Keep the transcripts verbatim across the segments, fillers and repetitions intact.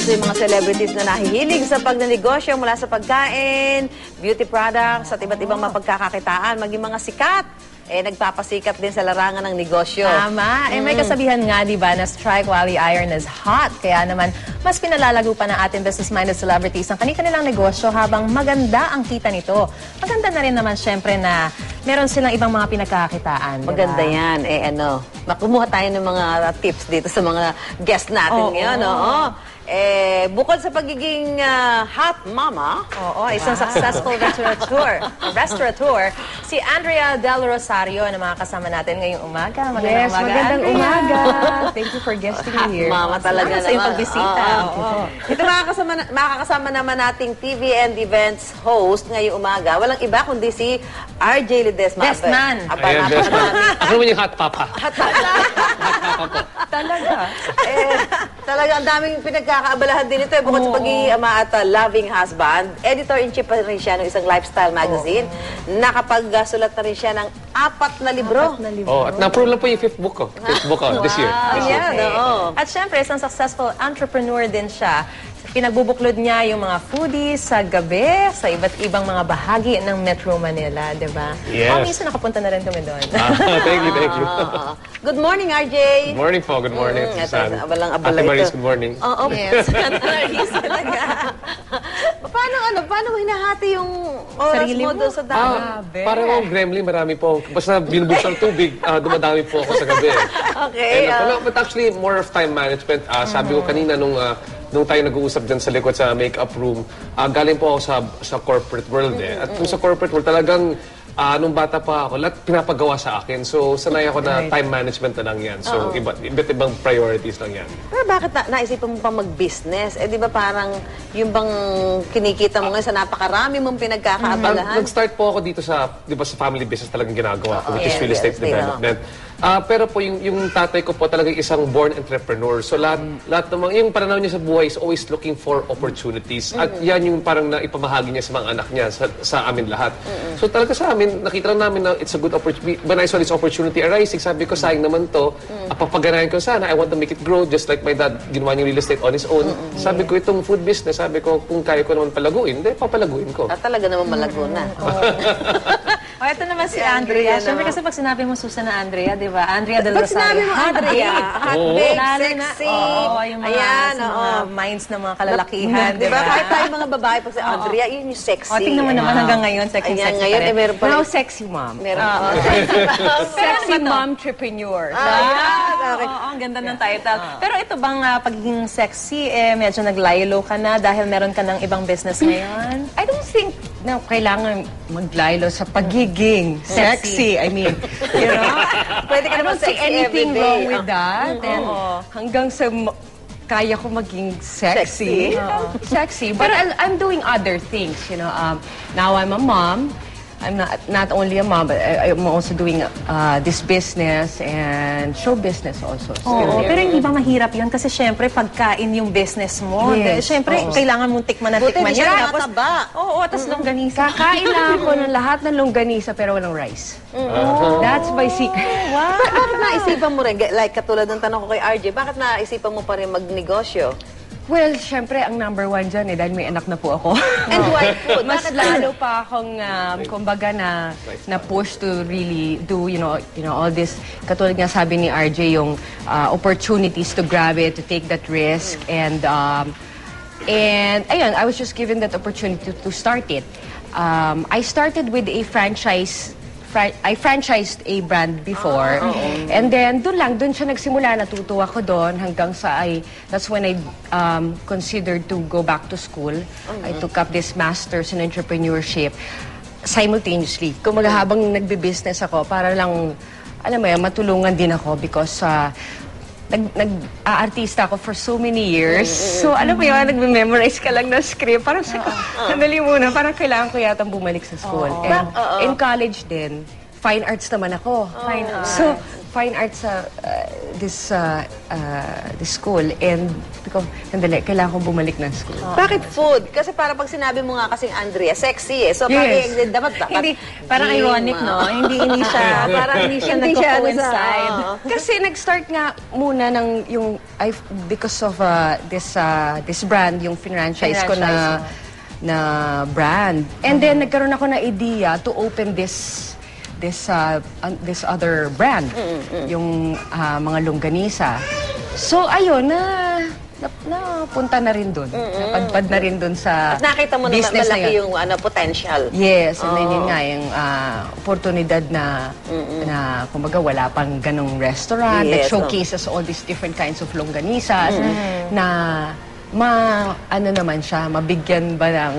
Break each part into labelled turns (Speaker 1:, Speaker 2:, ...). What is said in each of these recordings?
Speaker 1: usong-uso yung mga celebrities na nahihilig sa pagnanegosyo mula sa pagkain, beauty products, at iba't ibang mapagkakakitaan, maging mga sikat. Eh, nagpapasikat din sa larangan ng negosyo.
Speaker 2: Tama. Eh, may kasabihan nga, di ba, na strike while the iron is hot. Kaya naman, mas pinalalago pa ng ating business-minded celebrities ang kanilang negosyo habang maganda ang kita nito. Maganda na rin naman, syempre, na meron silang ibang mga pinagkakakitaan.
Speaker 1: Maganda diba? Yan. Eh, ano, makumuha tayo ng mga tips dito sa mga guest natin
Speaker 2: Oo.
Speaker 1: ngayon. Oo. Eh, bukod sa pagiging uh, hot mama,
Speaker 2: oo, isang successful restaurateur, restaurateur, si Andrea Del Rosario na mga kasama natin ngayong umaga. Magandang
Speaker 3: yes,
Speaker 2: umaga,
Speaker 3: magandang
Speaker 2: Andrea.
Speaker 3: umaga. Thank you for guesting
Speaker 1: hot
Speaker 3: me here.
Speaker 1: mama talaga
Speaker 2: Salamat sa iyong
Speaker 1: naman.
Speaker 2: pagbisita.
Speaker 1: Oo.
Speaker 2: Oo.
Speaker 1: Ito makakasama, makakasama naman nating T V and events host ngayong umaga. Walang iba kundi si R J Ledesma.
Speaker 2: Desman.
Speaker 1: Aba,
Speaker 4: Ayan, Desman.
Speaker 1: napakadami.
Speaker 4: Ako naman yung hot papa.
Speaker 1: Hot papa.
Speaker 3: Talaga.
Speaker 1: eh, talaga ang daming pinagkakaabalahan din ito. Eh, bukod sa pagiging ama at uh, loving husband, editor-in-chief pa rin siya ng isang lifestyle magazine. Nakapagsulat na rin siya ng apat na libro.
Speaker 3: Apat na libro.
Speaker 4: Oh, at na-approve lang po yung fifth book ko. Fifth book ko, this year. This year.
Speaker 1: Ayan, oo.
Speaker 2: At syempre, isang successful entrepreneur din siya. Pinagbubuklod niya yung mga foodies sa gabi, sa iba't ibang mga bahagi ng Metro Manila, di ba?
Speaker 4: Yes.
Speaker 2: Oh, minsan nakapunta na rin kami doon.
Speaker 4: Ah, thank you, thank you.
Speaker 1: Oo. Good morning, R J.
Speaker 4: Good morning po, good morning.
Speaker 1: Mm,
Speaker 4: Susan.
Speaker 1: ito, abalang-abala
Speaker 4: Ate Maris,
Speaker 1: ito.
Speaker 4: good morning.
Speaker 1: Oo,
Speaker 2: Yes.
Speaker 1: Maris talaga. Paano, ano, paano mo hinahati yung oras
Speaker 2: Sarili
Speaker 1: mo
Speaker 2: mo?
Speaker 1: doon sa dami?
Speaker 4: Ah, parang akong gremlin, marami po. Basta binubuksan ng tubig, ah, dumadami po ako sa gabi.
Speaker 1: Okay.
Speaker 4: And,
Speaker 1: ah.
Speaker 4: uh, but actually, more of time management. Ah, sabi ko kanina nung ah, nung tayo nag-uusap dyan sa likod sa makeup room, ah, galing po ako sa sa corporate world eh. At kung sa corporate world, talagang ah, nung bata pa ako, lahat pinapagawa sa akin. So, sanay ako na time management na lang yan. So, iba, iba't ibang priorities lang yan.
Speaker 1: Pero bakit na, naisipan mo pa mag-business? Eh, di ba parang yung bang kinikita mo ngayon sa napakarami mong
Speaker 4: Ah,
Speaker 1: pinagkakaabalahan?
Speaker 4: nag-start po ako dito sa, di ba, sa family business talagang ginagawa ko, which is
Speaker 1: yes,
Speaker 4: real estate
Speaker 1: yes,
Speaker 4: development. Ah, pero po, yung, yung tatay ko po talagang isang born entrepreneur. So, lahat, lahat ng mga, yung pananaw niya sa buhay is always looking for opportunities. At yan yung parang naipamahagi niya sa mga anak niya, sa, sa amin lahat. So, talaga sa amin, nakita lang namin na it's a good opportunity. When I saw this opportunity arising, sabi ko, sayang naman to. Mm. Papaganahin ko sana. I want to make it grow just like my dad ginawa yung real estate on his own.
Speaker 1: Mm-hmm.
Speaker 4: Sabi ko, itong food business, sabi ko, kung kaya ko naman palaguin, hindi, papalaguin ko.
Speaker 1: Ah, talaga naman malago na.
Speaker 2: O, ito naman si
Speaker 1: Si Andrea
Speaker 2: Andrea. Siyempre
Speaker 1: naman.
Speaker 2: kasi pag sinabi mo Susan na Andrea, di ba? Andrea Del
Speaker 1: Pag
Speaker 2: Rosario.
Speaker 1: sinabi mo, Andrea, hot
Speaker 4: Oo.
Speaker 1: bake,
Speaker 2: Lalo na,
Speaker 1: sexy.
Speaker 2: oo, yung mga,
Speaker 1: Ayan,
Speaker 2: sa
Speaker 1: oo.
Speaker 2: mga minds ng mga kalalakihan,
Speaker 1: Di ba? Kahit tayo mga babae, pag si Andrea, yun yung sexy.
Speaker 2: O, tingnan mo naman
Speaker 1: Wow.
Speaker 2: hanggang ngayon, sexy,
Speaker 1: Ayan,
Speaker 2: sexy
Speaker 1: ngayon,
Speaker 2: pa
Speaker 1: eh,
Speaker 2: rin.
Speaker 1: meron pa
Speaker 3: Now,
Speaker 1: rin.
Speaker 3: sexy mom.
Speaker 1: Meron.
Speaker 2: Oo.
Speaker 3: Sexy mom-entrepreneur.
Speaker 1: Ayan, okay.
Speaker 2: Oo, ang ganda ng title. Pero ito bang ah, pagiging sexy, eh, medyo naglaylo ka na dahil meron ka ng ibang business ngayon?
Speaker 3: I don't think na kailangan maglaylo sa pagiging sexy. I mean, you know?
Speaker 1: Pwede ka
Speaker 3: I
Speaker 1: naman
Speaker 3: don't see
Speaker 1: sexy
Speaker 3: anything
Speaker 1: everyday.
Speaker 3: wrong with that.
Speaker 1: Mm-hmm.
Speaker 3: And hanggang sa ma- kaya ko maging sexy.
Speaker 1: Sexy.
Speaker 3: Sexy. But I, I'm doing other things, you know. Um, now I'm a mom. I'm not not only a mom, but I, I'm also doing uh, this business and show business also.
Speaker 2: Oo, pero hindi ba mahirap yun? Kasi syempre, pagkain yung business mo.
Speaker 3: Yes,
Speaker 2: Syempre,
Speaker 3: oo.
Speaker 2: kailangan mong tikman na
Speaker 1: Buti
Speaker 2: tikman
Speaker 1: hindi
Speaker 2: yan.
Speaker 1: siya
Speaker 2: Tapos,
Speaker 1: nakataba.
Speaker 2: oo, tapos longganisa.
Speaker 3: Kakain lang ako ng lahat ng longganisa pero walang rice. That's my secret.
Speaker 1: Wow. Bakit naisipan mo rin, like katulad ng tanong ko kay R J, bakit naisipan mo pa rin magnegosyo?
Speaker 3: Well, syempre, ang number one dyan eh, dahil may anak na po ako.
Speaker 1: And white food.
Speaker 3: Mas
Speaker 1: Bakit
Speaker 3: lalo pa akong, um, kumbaga, na, na push to really do, you know, you know, all this, katulad nga sabi ni R J, yung uh, opportunities to grab it, to take that risk, and, um, and, ayun, I was just given that opportunity to, to start it. Um, I started with a franchise Fra- I franchised a brand before. And then, doon lang, doon siya nagsimula. Natutuwa ko doon hanggang sa I, that's when I um, considered to go back to school. I took up this master's in entrepreneurship simultaneously. Kung habang nagbe-business ako, para lang, alam mo yan, matulungan din ako because uh, nag, nag-aartista ako for so many years. So, alam mo yun, nagme-memorize ka lang ng script. Parang, sandali muna, parang kailangan ko yata bumalik sa school. And in college din, fine arts naman ako.
Speaker 2: Fine arts.
Speaker 3: So, fine arts sa uh, this uh, uh, this school and because sandali, kailangan kong bumalik ng school.
Speaker 1: Bakit food? Kasi para pag sinabi mo nga kasing Andrea, sexy eh. So,
Speaker 3: Yes.
Speaker 1: pag dapat, dapat
Speaker 2: Hindi, parang
Speaker 1: gym,
Speaker 2: ironic, no?
Speaker 1: ah.
Speaker 2: Hindi, hindi siya, parang hindi siya
Speaker 1: Hindi siya,
Speaker 2: nagko-coincide.
Speaker 1: ano,
Speaker 3: Kasi nag-start nga muna ng yung I, because of uh, this uh, this brand, yung franchise ko na na brand. And then nagkaroon ako ng idea to open this this uh, uh, this other brand, yung uh, mga longganisa. So ayun na na, napunta na rin doon. Napadpad na rin doon sa
Speaker 1: At nakita mo na
Speaker 3: business na
Speaker 1: malaki
Speaker 3: yun.
Speaker 1: yung ano, potential.
Speaker 3: Yes, and then yun nga, yung uh, oportunidad na, na kumbaga, wala pang ganong restaurant that
Speaker 1: Yes,
Speaker 3: showcases all these different kinds of longganisas na ma, ano naman siya, mabigyan ba ng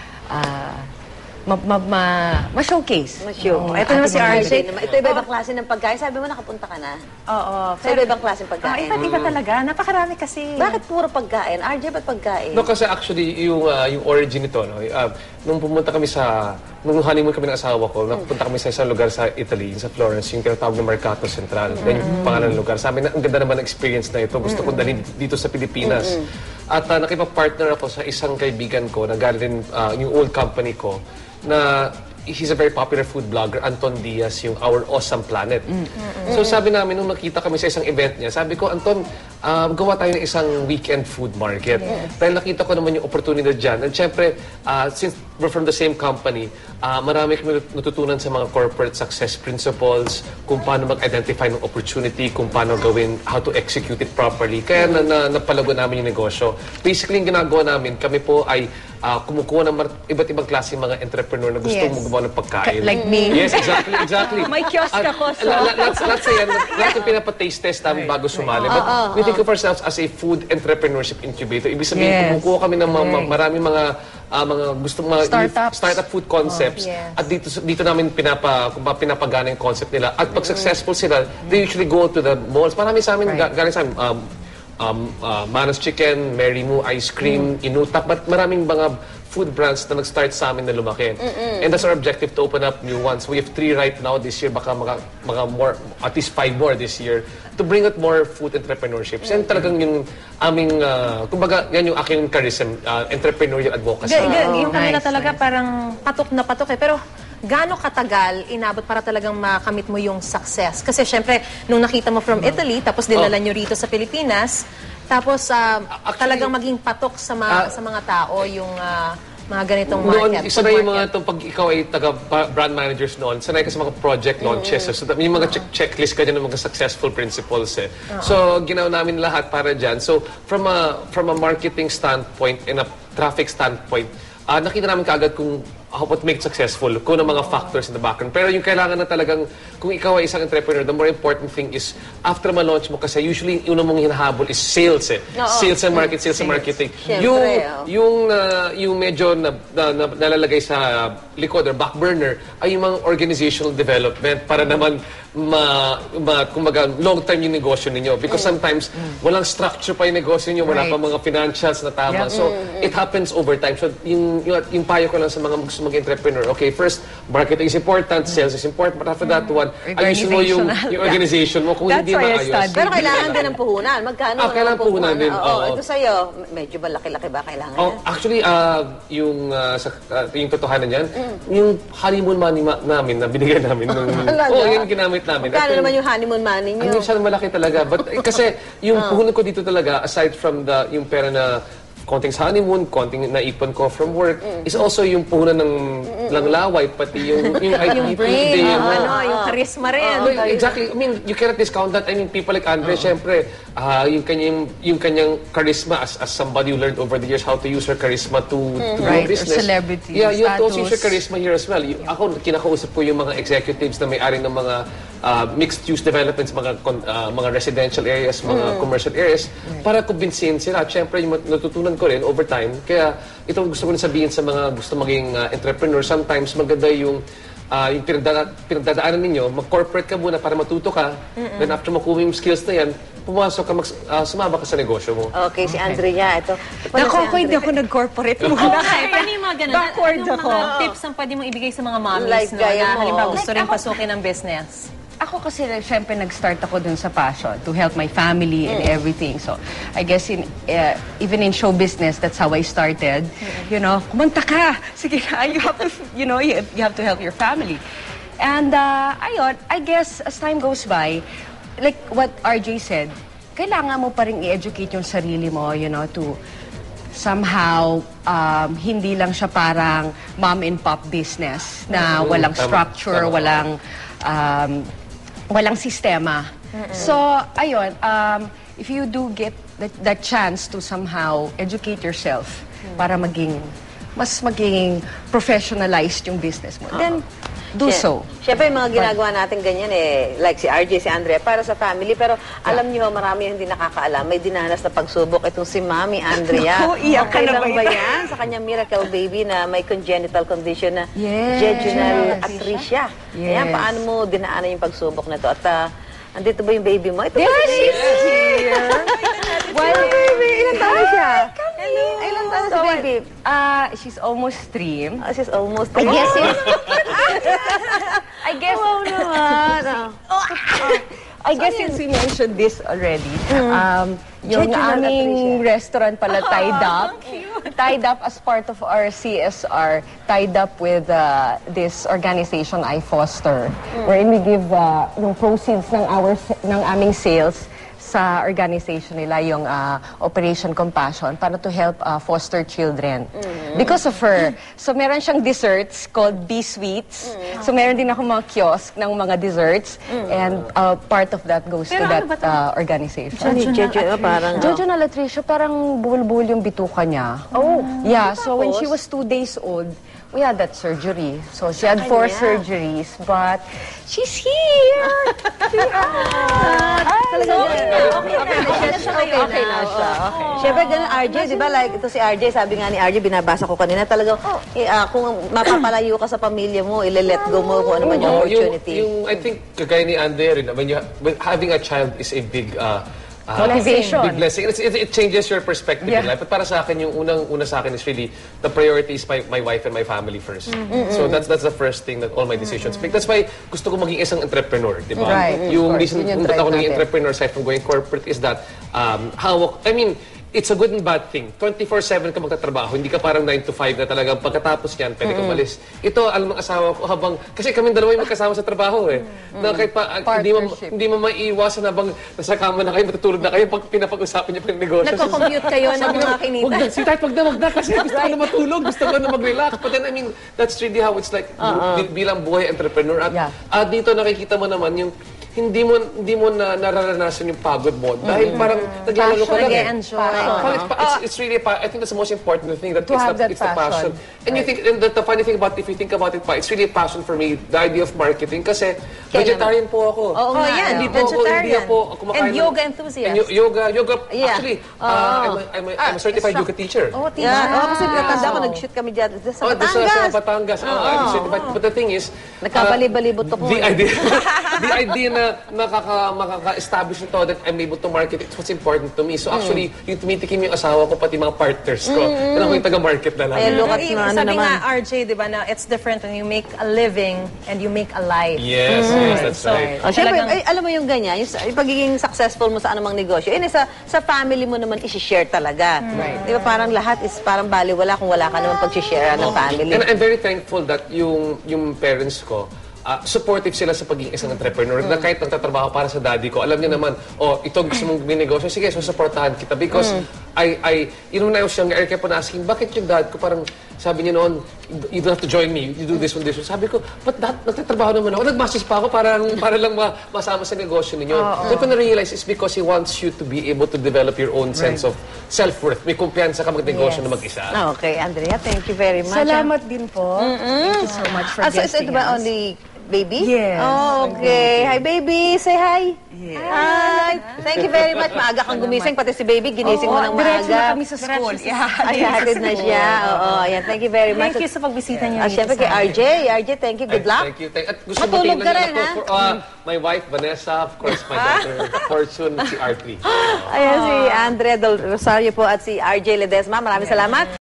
Speaker 3: uh, ma, ma, ma, ma-showcase.
Speaker 1: Masyo.
Speaker 3: Yung
Speaker 1: Ito naman si
Speaker 3: ating mga
Speaker 1: R J.
Speaker 3: bibig.
Speaker 1: naman. Ito iba-ibang klase ng pagkain. Sabi mo, nakapunta ka na.
Speaker 2: Oo.
Speaker 1: Sa iba-ibang klase ng
Speaker 2: Oh,
Speaker 1: pagkain.
Speaker 2: iba't iba talaga. Napakarami kasi.
Speaker 1: Bakit puro pagkain? R J, ba't pagkain?
Speaker 4: No, kasi actually, yung, uh, yung origin nito, no, uh, nung pumunta kami sa, nung honeymoon kami ng asawa ko, napunta kami sa isang lugar sa Italy, sa Florence, yung tinatawag na Mercato Central. Yan yung pangalan ng lugar. Sabi na, ang ganda naman ng experience na ito. Gusto ko dalhin dito sa Pilipinas. At uh, nakipag-partner ako sa isang kaibigan ko, na galing uh, yung old company ko, na he's a very popular food blogger, Anton Diaz, yung Our Awesome Planet. So sabi namin, nung nakita kami sa isang event niya, sabi ko, Anton, uh, gawa tayo ng isang weekend food market. Dahil nakita ko naman yung opportunity dyan. And syempre, uh, since we're from the same company, uh, marami kami natutunan sa mga corporate success principles, kung paano mag-identify ng opportunity, kung paano gawin, how to execute it properly. Kaya na, na, napalago namin yung negosyo. Basically, yung ginagawa namin, kami po ay uh, kumukuha ng mar- iba't ibang klase mga entrepreneur na gusto
Speaker 3: Yes.
Speaker 4: gumawa ng pagkain.
Speaker 3: Like me.
Speaker 4: Yes, exactly, exactly.
Speaker 3: May kiosk
Speaker 4: At,
Speaker 3: ako, so-
Speaker 4: la- la- Let's, let's say, yan, lahat yung pinapa-taste test namin bago sumali. But we think of ourselves as a food entrepreneurship incubator. Ibig sabihin,
Speaker 3: Yes.
Speaker 4: kumukuha kami ng mga, ma- maraming mga ah, mga gusto mga
Speaker 3: Startups.
Speaker 4: startup food concepts.
Speaker 2: yes.
Speaker 4: At dito dito namin pinapa kung ba pinapagana yung concept nila. At pag successful sila, they usually go to the malls. Marami sa amin,
Speaker 3: Right.
Speaker 4: ga- galing sa amin, um, um, uh, Mana's Chicken, Mary Moo Ice Cream, Inutak, but maraming mga food brands na nag-start sa amin na lumaki. And that's our objective, to open up new ones. We have three right now this year, baka mga, mga more, at least five more this year, to bring out more food entrepreneurships. And talagang yung aming, uh, kumbaga, yan yung aking charism, uh, entrepreneurial advocacy.
Speaker 2: Ga- ga- yung kanila
Speaker 3: nice,
Speaker 2: talaga parang patok na patok eh. Pero gaano katagal inabot para talagang makamit mo yung success? Kasi syempre, nung nakita mo from Italy, tapos dinala nyo rito sa Pilipinas, tapos ah,
Speaker 4: Actually,
Speaker 2: talagang maging patok sa mga,
Speaker 4: ah,
Speaker 2: sa mga tao yung ah, mga ganitong
Speaker 4: Noon,
Speaker 2: market.
Speaker 4: isa
Speaker 2: food
Speaker 4: na yung mga
Speaker 2: market.
Speaker 4: itong pag ikaw ay taga-brand managers noon, sanay ka sa mga project launches. So, yung mga check checklist ka dyan ng mga successful principles. Eh. So, ginawa namin lahat para dyan. So, from a, from a marketing standpoint and a traffic standpoint, uh, nakita namin kaagad kung how what make it successful, kung ano mga factors in the background. Pero yung kailangan na talagang, kung ikaw ay isang entrepreneur, the more important thing is, after ma-launch mo, kasi usually, yung una mong hinahabol is sales eh. Sales and market, sales and marketing.
Speaker 1: Siyempre,
Speaker 4: Yung,
Speaker 1: oh.
Speaker 4: yung, uh, yung medyo na, na, na, nalalagay sa likod or back burner ay yung mga organizational development para naman ma, ma kumbaga, long-term yung negosyo ninyo. Because sometimes, walang structure pa yung negosyo ninyo, wala
Speaker 3: Right.
Speaker 4: pa mga financials na tama.
Speaker 3: Yeah.
Speaker 4: So, it happens over time. So, yung, yung, yung payo ko lang sa mga gusto mag-entrepreneur, okay, first, marketing is important, sales is important, but after that one, ayusin mo yung,
Speaker 3: Organizational.
Speaker 4: yung organization mo kung
Speaker 3: That's
Speaker 4: hindi
Speaker 3: why I
Speaker 4: maayos.
Speaker 3: studied.
Speaker 1: Pero kailangan din ng puhunan. Magkano
Speaker 4: Ah,
Speaker 1: ang
Speaker 4: kailangan puhunan din,
Speaker 1: Oo,
Speaker 4: oo.
Speaker 1: ito sa'yo, medyo malaki-laki ba kailangan
Speaker 4: Oh,
Speaker 1: yan?
Speaker 4: actually, uh, yung, uh, sa, uh, yung totohanan niyan, yung honeymoon money ma- namin na binigyan namin. Nung,
Speaker 1: Talaga?
Speaker 4: oh, yun ginamit namin.
Speaker 1: Magkano
Speaker 4: At yung-
Speaker 1: naman yung honeymoon money nyo?
Speaker 4: Ang minsan malaki talaga. But, eh, kasi yung puhunan ko dito talaga, aside from the yung pera na konting sa honeymoon, konting naipon ko from work, is also yung puhunan ng lang laway, pati yung yung
Speaker 2: yung brain,
Speaker 4: day,
Speaker 2: yung,
Speaker 4: mo.
Speaker 2: ano, yung charisma rin.
Speaker 4: No, exactly. I mean, you cannot discount that. I mean, people like Andre, syempre, ah, yung kanyang yung kanyang charisma as as somebody who learned over the years how to use her charisma to to grow
Speaker 3: Right, or
Speaker 4: business.
Speaker 3: celebrity
Speaker 4: Yeah, you have to also use your
Speaker 3: status.
Speaker 4: charisma here as well. You- ako kinakausap ko yung mga executives na may-ari ng mga ah, mixed-use developments, mga kon- ah, mga residential areas, mga commercial areas, para kumbinsihin sila. At syempre, yung mat- natutunan ko rin over time. Kaya ito gusto ko rin sabihin sa mga gusto maging ah, entrepreneur. Sometimes maganda yung ah, yung pinagdada- pinagdadaanan ninyo, mag-corporate ka muna para matuto ka. Then after makuha yung skills na yan, pumasok ka, mag- ah, sumama ka sa negosyo mo.
Speaker 1: Okay, si Andrea, ito. Paano si
Speaker 3: Nako, ako
Speaker 1: Andrea?
Speaker 3: hindi ako nag-corporate muna.
Speaker 2: Okay, paano yung mga ganun?
Speaker 3: Backward
Speaker 2: Anong
Speaker 3: ako.
Speaker 2: mga tips ang pwede mong ibigay sa mga mommies
Speaker 1: Like
Speaker 2: no,
Speaker 1: gaya
Speaker 2: na
Speaker 1: mo.
Speaker 2: halimbawa gusto
Speaker 1: Like
Speaker 2: rin
Speaker 1: ako-
Speaker 2: pasukin ng business?
Speaker 3: ako kasi, syempre, nag-start ako dun sa passion to help my family and everything. So, I guess, in uh, even in show business, that's how I started. You know, kumanta ka! Sige na, you have to, you know, you, you have to help your family. And, uh, ayun, I guess, as time goes by, like what R J said, kailangan mo pa rin i-educate yung sarili mo, you know, to somehow, um, hindi lang siya parang mom and pop business na walang structure, walang um, walang sistema. So, ayun, um, if you do get that, that chance to somehow educate yourself para maging, mas maging professionalized yung business mo, then do
Speaker 1: Siya-
Speaker 3: so.
Speaker 1: Siyempre, yung mga ginagawa natin ganyan eh, like si R J, si Andrea, para sa family. Pero alam niyo, marami yung hindi nakakaalam. May dinanas na pagsubok itong si Mami Andrea.
Speaker 3: Naku, iyak ka
Speaker 1: Okay
Speaker 3: na
Speaker 1: lang
Speaker 3: ba
Speaker 1: ba
Speaker 3: ito?
Speaker 1: yan? Sa kanyang miracle baby na may congenital condition na
Speaker 3: Yes.
Speaker 1: jejunal atresia.
Speaker 3: Yes.
Speaker 1: Ayan, paano mo dinaanan yung pagsubok na to? At ah, andito ba yung baby mo? Ito
Speaker 3: There
Speaker 1: ba si
Speaker 3: she is here!
Speaker 1: Well, baby, ilan taon siya? Hello. Ilan taon si baby?
Speaker 3: Uh, she's almost three.
Speaker 1: Oh, she's almost
Speaker 3: I
Speaker 1: three.
Speaker 3: guess it. I guess.
Speaker 1: Wow naman. ah.
Speaker 3: I guess since we mentioned this already, um, yung
Speaker 1: Jejunal
Speaker 3: aming restaurant pala tied up, tied up as part of our C S R, tied up with uh, this organization I foster, wherein we give uh, yung proceeds ng our ng aming sales sa organization nila, yung uh, Operation Compassion, para to help uh, foster children. Because of her. So, meron siyang desserts called B-Sweets. So, meron din ako mga kiosk ng mga desserts. And uh, part of that goes to that uh, organization.
Speaker 1: Ano yung jejunal? Parang,
Speaker 3: Jojo na Latricia, parang bulbul yung bituka niya.
Speaker 1: Oh.
Speaker 3: Yeah, so when she
Speaker 1: Tapos?
Speaker 3: was two days old, we had that surgery. So she had four
Speaker 1: Kanya.
Speaker 3: surgeries, but she's here!
Speaker 1: Talaga okay na siya. Okay na siya. Siyempre, ganun, R J, di ba? Like, ito si R J, sabi nga ni R J, binabasa ko kanina, talagang, eh, ah, kung mapapalayo ka sa pamilya mo, ile-let go mo kung ano man yung
Speaker 4: Oo,
Speaker 1: opportunity.
Speaker 4: Yung, I think, kagaya ni Andrea rin, when you, when having a child is a big uh, uh,
Speaker 3: Motivation.
Speaker 4: big blessing. It's, it, it changes your perspective
Speaker 3: Yeah.
Speaker 4: in life. But para sa akin, yung unang-una sa akin is really, the priority is my, my wife and my family first. So that's that's the first thing that all my decisions make. That's why gusto ko maging isang entrepreneur, di ba?
Speaker 3: Right.
Speaker 4: Yung
Speaker 3: Of course.
Speaker 4: reason
Speaker 3: Yun yung
Speaker 4: kung ba't
Speaker 3: drive
Speaker 4: ako naging
Speaker 3: natin.
Speaker 4: entrepreneur aside from going corporate is that, um, hawak, I mean, it's a good and bad thing. twenty-four seven ka magtatrabaho, hindi ka parang nine to five na talagang pagkatapos yan, pwede ka umalis. Ito, alam ng asawa ko habang, kasi kami dalawa yung magkasama sa trabaho eh. Na kahit pa, ah, hindi mo,
Speaker 3: Partnership.
Speaker 4: hindi mo maiiwasan habang nasa kama na kayo, matutulog na kayo, pag pinapag-usapan niyo pa yung negosyo.
Speaker 2: Nagko-commute kayo ng mga
Speaker 4: Wag
Speaker 2: kinita.
Speaker 4: na, si Tat, wag na, wag na, kasi gusto ko na matulog, gusto ko na mag-relax. But then, I mean, that's really how it's like bi- bilang buhay entrepreneur. At,
Speaker 3: Yeah.
Speaker 4: at dito nakikita mo naman yung hindi mo hindi mo na nararanasan yung pagod mo dahil parang naglalaro ka lang eh.
Speaker 2: Nag-e-enjoy.
Speaker 4: Well, it's, it's, it's really a pa- I think that's the most important thing that
Speaker 3: To
Speaker 4: it's,
Speaker 3: have
Speaker 4: the,
Speaker 3: that
Speaker 4: it's the passion.
Speaker 3: passion.
Speaker 4: And you think and the, the funny thing about if you think about it pa, it's really a passion for me, the idea of marketing kasi vegetarian po ako.
Speaker 1: Oo nga,
Speaker 2: yan.
Speaker 4: Hindi po ako, hindi
Speaker 2: Vegetarian.
Speaker 4: ako kumakain.
Speaker 2: And
Speaker 4: ng-
Speaker 2: yoga enthusiast.
Speaker 4: And yo- yoga, yoga,
Speaker 1: Yeah.
Speaker 4: actually, uh, I'm, a, I'm, a, I'm a certified yoga teacher.
Speaker 2: Oh, tiba.
Speaker 1: Yeah, oh, kasi natanda ko, nag-shoot kami dyan sa
Speaker 4: Oh, doon sa, sa
Speaker 1: Batangas.
Speaker 4: Batangas. Oh, I'm certified. But the thing is,
Speaker 1: Nagkabali-balibot ako
Speaker 4: the
Speaker 1: eh.
Speaker 4: idea, the idea na makaka, makaka-establish nito that I'm able to market, it's what's important to me. So actually, yung tumitikim yung asawa ko, pati mga partners ko, mm. ako yung taga-market na lang.
Speaker 1: Ayan, look at
Speaker 2: Sabi
Speaker 1: na ano
Speaker 2: sabi
Speaker 1: naman.
Speaker 2: nga, R J, di ba, na it's different when you make a living and you make a life.
Speaker 4: Yes, yes, that's
Speaker 2: So,
Speaker 4: right.
Speaker 1: Oh, syempre,
Speaker 2: Talagang-
Speaker 1: ay, alam mo yung ganyan, yung, sa- yung pagiging successful mo sa anumang negosyo, yun eh, sa, sa family mo naman isi-share talaga.
Speaker 2: Hmm.
Speaker 1: Di ba parang lahat is parang baliwala kung wala ka naman pag-share ng family.
Speaker 4: And I'm very thankful that yung yung parents ko, ah, supportive sila sa pagiging isang entrepreneur. Na kahit nagtatrabaho para sa daddy ko, alam niya naman, oh, ito gusto mong binegosyo, sige, so supportahan kita. Because I, I, you know, when I was younger, I kept on asking, bakit yung dad ko parang, sabi niya noon, you don't have to join me, you do this one, this one. Sabi ko, but dad, nagtatrabaho naman ako. Nag-masters pa ako para, para lang ma masama sa negosyo ninyo. Then ko na-realize is because he wants you to be able to develop your own sense of self-worth. May kumpiyansa ka magnegosyo
Speaker 2: Yes.
Speaker 4: na mag-isa.
Speaker 1: Ah, okay, Andrea, thank you very much.
Speaker 3: Salamat din po. Thank you so much for
Speaker 1: Ah, so, so
Speaker 3: guesting
Speaker 1: ito ba
Speaker 3: us.
Speaker 1: only baby?
Speaker 3: Yes.
Speaker 1: Oh, okay. Hi, baby. Say hi. Hi. Thank you very much. Maaga kang gumising, pati si baby, ginising mo ng
Speaker 3: Diretso
Speaker 1: maaga.
Speaker 3: na kami sa school. Yeah.
Speaker 1: Ay, hatid na siya. Oo, ayan. Thank you very much.
Speaker 2: Thank you sa pagbisita niyo.
Speaker 1: Ah,
Speaker 2: dito
Speaker 1: syempre
Speaker 2: sa
Speaker 1: kay
Speaker 2: amin.
Speaker 1: R J. R J, thank you. Good
Speaker 4: Ay,
Speaker 1: luck.
Speaker 4: Thank you. Thank, at gusto
Speaker 1: Matulog
Speaker 4: batiin
Speaker 1: ka
Speaker 4: lang
Speaker 1: rin,
Speaker 4: ako
Speaker 1: ha?
Speaker 4: for, uh, my wife, Vanessa, of course, my daughter, Fortune, si R three.
Speaker 1: Ayan si Andre Del Rosario po at si R J Ledesma. Maraming salamat.